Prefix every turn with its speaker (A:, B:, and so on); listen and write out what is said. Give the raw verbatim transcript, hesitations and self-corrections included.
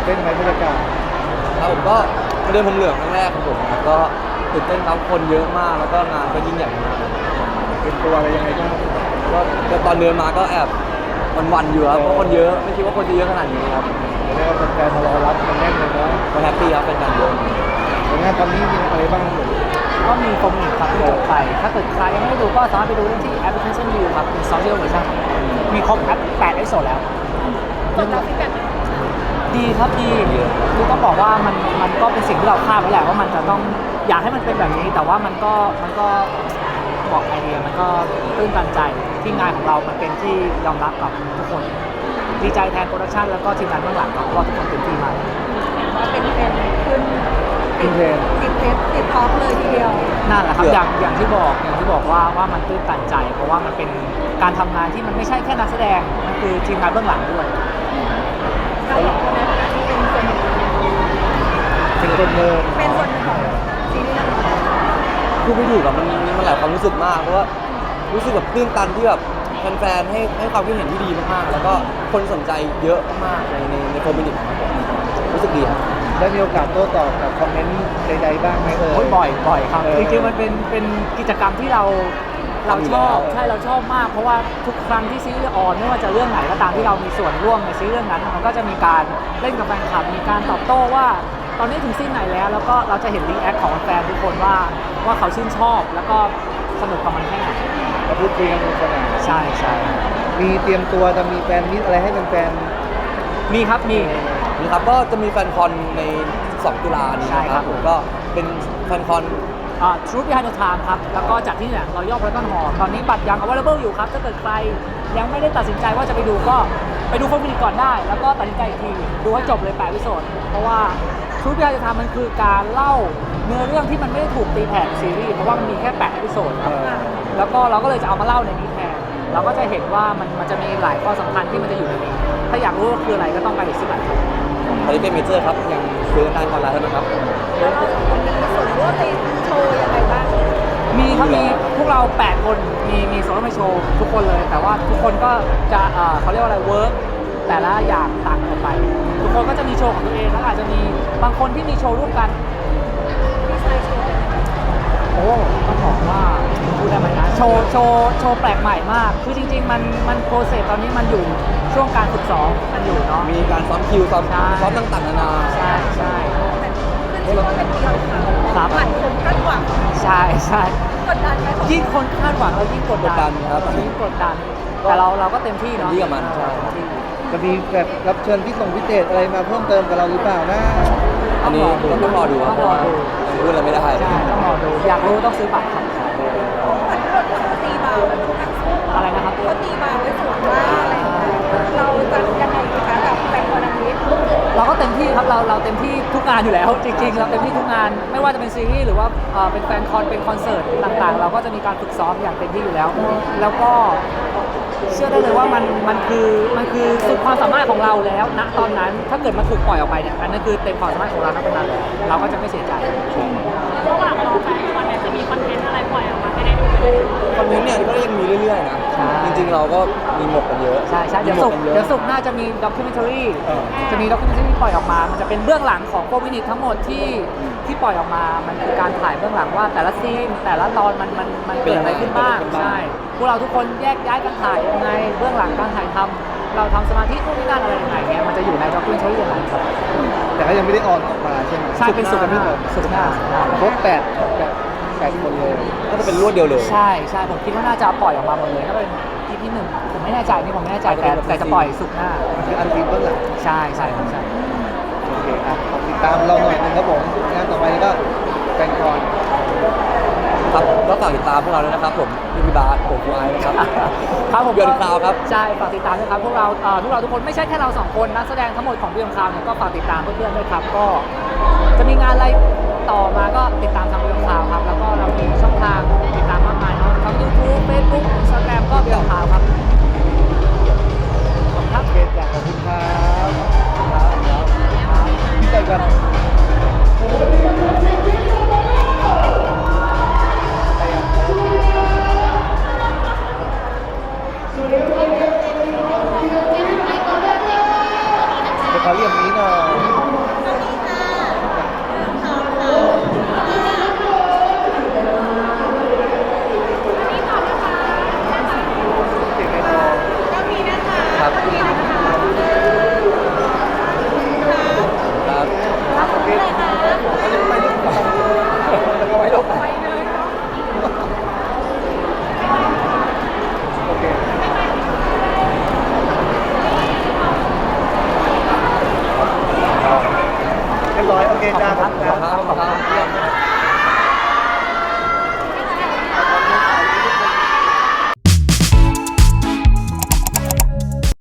A: เต้นไหมบรรยากาศ
B: ครับผมก็มาเดินผมเหลืองครั้งแรกของผมครับก็ตื่นเต้นครับคนเยอะมากแล้วก็งานก็ยิ่งใหญ่มาก
A: เป็นตัวอะไรยังไงบ้าง
B: ก็ก็ตอนเดินมาก็แอบวันๆอยู่ครับเพราะคนเยอะไม่คิดว่าคนจะเยอะขนาดนี้ครับ
A: เรียกว่าแฟนๆมารอรับกันแน่นเลยนะ
B: ก็แฮปปี้ครับเป็นการเยอะ
A: ผลงานตอนนี้มีอะไรบ้างครับ
C: ก็มีโปรโมทครับที่จบไปถ้าเกิดใครยังไม่ได้ดูก็สามารถไปดูได้ที่แอปพลิเคชันวิวครับเป็นซอฟต์แวร์เวอร์ชันมีครบแอปแปดเอพิโซดแล้ว
D: ผลลัพธ์ฟีดแบ็ก
C: ดีครับดีคือต้องบอกว่ามันมันก็เป็นสิ่งที่เราคาดไว้แหละว่ามันจะต้องอยากให้มันเป็นแบบนี้แต่ว่ามันก็มันก็บอกไอเดียมันก็ตื้นตันใจที่งานของเรามันเป็นที่ยอมรับกับทุกคนดีใจแทนโปรดักชันแล้วก็ทีมงานเบื้องหลังครับว่าทุกคนเต็มที่มาก
D: ว่าเป็นเทรนด์ขึ้น
A: ติดเทรน
D: ติดเทรนติดท็อปเลยทีเดียว
C: นั่นแหละครับอย่างอย่างที่บอกอย่างที่บอกว่าว่ามันตื้นตันใจเพราะว่ามันเป็นการทำงานที่มันไม่ใช่แค่นักแสดงมันคือทีมงานเบื้องหลังด้วย
D: เราสองคนในฐานะที่เป็นส่วนหนึ่ง
A: เป็นคนเดิน
D: เป็นส่วนหนึ่งของซีรีส์เรื่องนี้
B: พูดไม่ถูกอะมันมันหลายความรู้สึกมากเพราะว่ารู้สึกแบบตื้นตันที่แบบแฟนๆให้ให้ความคิดเห็นที่ดีมากๆแล้วก็คนสนใจเยอะมากในในในคอมมูนิตี้ของผมรู้สึกดีครับ
A: ได้มีโอกาสโต้ตอบกับคอมเมนต์ใดๆบ้างไหมเอ่ย
C: บ่อยบ่อยครับจริงๆมันเป็นเป็นกิจกรรมที่เราเราชอบใช่เราชอบมากเพราะว่าทุกครั้งที่ซีรีส์ออนไม่ว่าจะเรื่องไหนก็ตามที่เรามีส่วนร่วมในซีรีส์เรื่องนั้นมันก็จะมีการเล่นกับแฟนคลับมีการตอบโต้ว่าตอนนี้ถึงซีนไหนแล้วแล้วก็เราจะเห็นรีแอคของแฟนทุกคนว่าว่าเขาชื่นชอบแล้วก็สนุกกับมันแค่ไหน
A: เราพูดคุยกันสนุก
C: ใช่ใช่
A: มีเตรียมตัวจะมีแฟนมิตอะไรให้แฟน
C: ๆมีครับมี
B: มีครับก็จะมีแฟนคอนในสองตุลานี้นะครับผมก็เป็นแฟนคอน
C: อ่า Truth Behind the Time ครับแล้วก็จัดที่เนี่ยรอย่อพระต้นหอตอนนี้บัตรยัง available อยู่ครับถ้าเกิดใครยังไม่ได้ตัดสินใจว่าจะไปดูก็ไปดูโฟมินิก่อนได้แล้วก็ตัดสินใจอีกทีดูให้จบเลยแปดวิดีโอเพราะว่า Truth Behind the Time มันคือการเล่าเนื้อเรื่องที่มันไม่ได้ถูกตีแผ่ซีรีส์เพราะว่ามันมีแค่แปดวิดีโอครับแล้วก็เราก็เลยจะเอามาเล่าในนี้แทนเราก็จะเห็นว่ามันมันจะมีหลายข้อสำคัญที่มันจะอยู่ในนี้ถ้าอยากรู้ว่าคืออะไรก็ต้องไปซื้อบัตร
B: คาริเกมเมเจอร์ครับยังซื้อได้ออนไลน์เท่านั้นครับ
D: แล้วเราสองคนมีส่วนร่วมในโชว์ยังไงบ้าง
C: มีครับมีพวกเราแปดคนมีมีส่วนร่วมในโชว์ทุกคนเลยแต่ว่าทุกคนก็จะเอ่อเขาเรียกว่าอะไรเวิร์กแต่ละอย่างต่างกันไปทุกคนก็จะมีโชว์ของตัวเองแล้วอาจจะมีบางคนที่มีโชว์ร่วมกัน
D: พี่ชายโชว์
C: โอ้ต้องบอกว่าพูดได้ไหมนะโชว์โชว์โชว์แปลกใหม่มากคือจริงๆมันมันโปรเซสตอนนี้มันอยู่ช่วงการฝึกซ้อมมันอยู่เนาะ
B: มีการซ้อมคิวซ้อมซ้อมต่างๆนานา
C: ใช่ใช่
D: ขึ้นชื่อว่าเป็นเดียวค่ะหมันผมคาดหวัง
C: ใช่ใช่
D: กดดันไหม
C: ยิ่งคนคาดหวังเรายิ่งกดดัน
B: ครับ
C: ยิ่งกดดันแต่เราเราก็เต็มที่เนาะ
B: ที่กับมันใช่
A: จะมีแบบรับเชิญพี่ส่งพิเศษอะไรมาเพิ่มเติมกับเราหรือเปล่านะ
B: อันนี้ต้องรอดูครับเพราะว่ายังพูดอะไรไม่ได้
C: ใช่ต้องรอดูอยากรู้ต้องซื้อบัตรครับ
D: ตีบาร์
C: อะไรนะครับ
D: เขาตีบาร์ไว้สูงมากอะไรเราจะยังไงดีคะกับแฟนคอนนี้
C: เราก็เต็มที่ครับเราเราเต็มที่ทุกงานอยู่แล้วจริงๆเราเต็มที่ทุกงานไม่ว่าจะเป็นซีรีส์หรือว่าเป็นแฟนคอนเป็นคอนเสิร์ตต่างๆเราก็จะมีการฝึกซ้อมอย่างเต็มที่อยู่แล้วแล้วก็เชื่อได้เลยว่ามันมันคือมันคือสุดความสามารถของเราแล้วณตอนนั้นถ้าเกิดมันถูกปล่อยออกไปเนี่ยอันนั้นคือเต็มความสามารถของเราณตอนนั้นเราก็จะไม่เสียใจ
D: ระหว่างรอแฟนคอนเนี่ยจะมีคอนเทนต์อะไรปล่อยออกมาให้ได้ดู
B: คอนเทนต์เนี่ยก็ยังมีเรื่อยๆนะจริงๆเราก็มีหมดกันเยอะ
C: ใช่ใช่เดี๋ยวสุกเดี๋ยวสุกน่าจะมีด็อกิเมนทารีจะมีด็อกิเมนทารีปล่อยออกมามันจะเป็นเบื้องหลังของโฟมินิทั้งหมดที่ที่ปล่อยออกมามันคือการถ่ายเบื้องหลังว่าแต่ละซีนแต่ละตอนมันมันมันเกิดอะไรขึ้นบ้างใช่พวกเราทุกคนแยกย้ายกันถ่ายยังไงเบื้องหลังการถ่ายทำเราทำสมาธินู่นนี่นั่นอะไรยังไงเงี้ยมันจะอยู่ในด็อกิเมนทารีอย่างไรครับ
A: แต่ก็ยังไม่ได้ออนออกมาใช่ไหม
C: ใช่เป็นสุดหน้าสุดหน้า
A: ครบแปดแปดคนเลย
B: ก็จะเป็นรวดเดียวเลย
C: ใช่ใช่ผมคิดว่าน่าจะปล่อยออกมาหมดเลยถ้าเป็นอีพีหนึ่งผมไม่แน่ใจนี่ผมไม่แน่ใจแต่แต่จะปล่อยสุกหน้า
A: คืออันทีเบื้องหลัง
C: ใช่ใช่ใช่
A: โอเคอ่ะติดตามเราหน่อยนึงครับผมงานต่อไปก็แฟนคอน
B: ครับก็ฝากติดตามพวกเราด้วยนะครับผมพี่พิบาสผมฟูไอนะครับ
C: ครับผม
B: เดือนคราวครับ
C: ใช่ฝากติดตามด้วยครับพวกเราพวกเราทุกคนไม่ใช่แค่เราสองคนนักแสดงทั้งหมดของเดือนคราวเนี่ยก็ฝากติดตามเพื่อนๆด้วยครับก็จะมีงานอะไรต่อมาก็ติดตามทางเดือนคราวครับแล้วก็เรามีช่องทางติดตามมากมายเนาะทั้ง YouTube Facebook Instagram ก็เดือนคราวครับ
A: ครับเกตขอบคุณครับพี่ใจกันเดี๋ยวเขาเรียกมี